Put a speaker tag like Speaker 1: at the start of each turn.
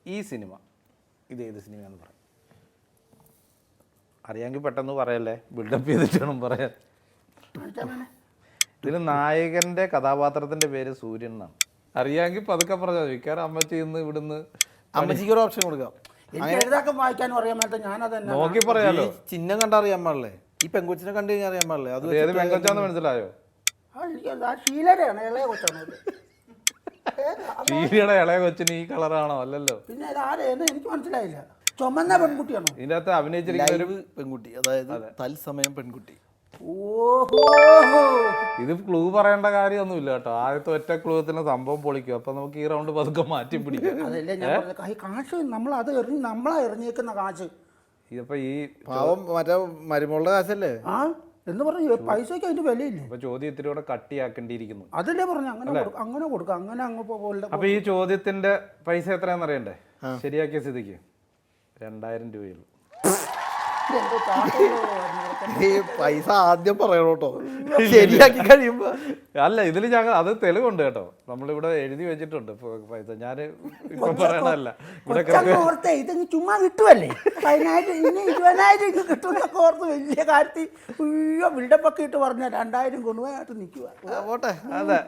Speaker 1: ഈ സിനിമ ഇത് ഏത് സിനിമയാണെന്ന് പറയും. അറിയാമെങ്കിൽ പെട്ടെന്ന് പറയല്ലേ, ബിൽഡപ്പ് ചെയ്തിട്ട് വേണം പറയാൻ. ഇതിൽ നായകൻ്റെ കഥാപാത്രത്തിൻ്റെ പേര് സൂര്യൻ എന്നാണ്. അറിയാമെങ്കിൽ പതുക്കെ പറഞ്ഞാൽ മതി. കാരണം അമ്മച്ചി ഇന്ന് ഇവിടുന്ന്
Speaker 2: അമ്മച്ചിക്ക് ഒരു ഓപ്ഷൻ കൊടുക്കാം.
Speaker 3: എനിക്ക് എഴുതാക്കാൻ വായിക്കാനും അറിയാൻ മേലത്തെ ഞാനത് തന്നെ
Speaker 1: നോക്കി പറയാലോ.
Speaker 2: ചിഹ്നം കണ്ടറിയാൻ പാടില്ലേ? ഈ പെങ്കൊച്ചിനെ കണ്ടു കഴിഞ്ഞാൽ അറിയാൻ പാടില്ലേ? അത്
Speaker 1: ഏത് പെങ്കൊച്ചാന്ന് മനസ്സിലായോ?
Speaker 3: ആ ഷീലയുടെയാണ് ഇളയ കൊച്ചാണ്
Speaker 1: ഷീലയുടെ ഇളയ കൊച്ചിന് ഈ കളറാണോ? അല്ലല്ലോ.
Speaker 3: പിന്നെ ഇത് ആരെയെന്ന് എനിക്ക് മനസ്സിലായില്ല. ചുമന്ന പെൺകുട്ടിയാണോ
Speaker 1: ഇതിൻ്റെ അകത്ത് അഭിനയിച്ചിരിക്കുന്ന ഒരു
Speaker 2: പെൺകുട്ടി, അതായത് തത്സമയം പെൺകുട്ടി.
Speaker 3: ഓഹോ,
Speaker 1: ഇത് ക്ലൂ പറയേണ്ട കാര്യമൊന്നുമില്ല കേട്ടോ. ആദ്യത്തെ ഒറ്റ ക്ലൂത്തിന് സംഭവം പൊളിക്കും. അപ്പൊ നമുക്ക് ഈ റൗണ്ട് പതുക്കെ മാറ്റി പിടിക്കാം.
Speaker 3: അതല്ലേ ഞാൻ പറഞ്ഞത്, കാശ് നമ്മളത് നമ്മളാ എറിഞ്ഞേക്കുന്ന കാശ്.
Speaker 1: ഇതിപ്പോ ഈ
Speaker 2: പാവം മറ്റേ മരുമോളുടെ കാശല്ലേ?
Speaker 3: ആ എന്ന് പറഞ്ഞ പൈസയ്ക്ക് അതിന്റെ വിലയില്ലേ?
Speaker 1: ഇപ്പൊ ചോദ്യം ഇത്തിരി കൂടെ കട്ടിയാക്കേണ്ടിയിരിക്കുന്നു.
Speaker 3: അതല്ലേ പറഞ്ഞു അങ്ങനെ കൊടുക്കാം അങ്ങനെ അങ്ങ് പോലെ.
Speaker 1: അപ്പൊ ഈ ചോദ്യത്തിന്റെ പൈസ എത്രയാണെന്ന് അറിയണ്ടേ? ശരിയാക്കിയ സ്ഥിതിക്ക് 2000 രൂപയുള്ളൂ.
Speaker 2: ഈ പൈസ ആദ്യം പറയണോ കേട്ടോ, ശരിയാക്കി കഴിയുമ്പോ.
Speaker 1: അല്ല, ഇതിൽ ഞങ്ങൾ അത് തെളിവുണ്ട് കേട്ടോ. നമ്മളിവിടെ എഴുതി വെച്ചിട്ടുണ്ട് പൈസ. ഞാൻ ഇപ്പൊ പറയണല്ല. ഇവിടെ
Speaker 3: ഓർത്തെ ഇതങ്ങ് ചുമ്മാ കിട്ടുമല്ലേ, 10,000 ഇനി 20,000 കിട്ടുന്നൊക്കെ ഓർത്ത് വലിയ കാര്യത്തിൽ ബിൽഡപ്പൊക്കെ ഇട്ട് പറഞ്ഞ 2000 കൊണ്ടുപോയിട്ട് നിൽക്കുക.
Speaker 2: പോട്ടെ.
Speaker 1: അതെ.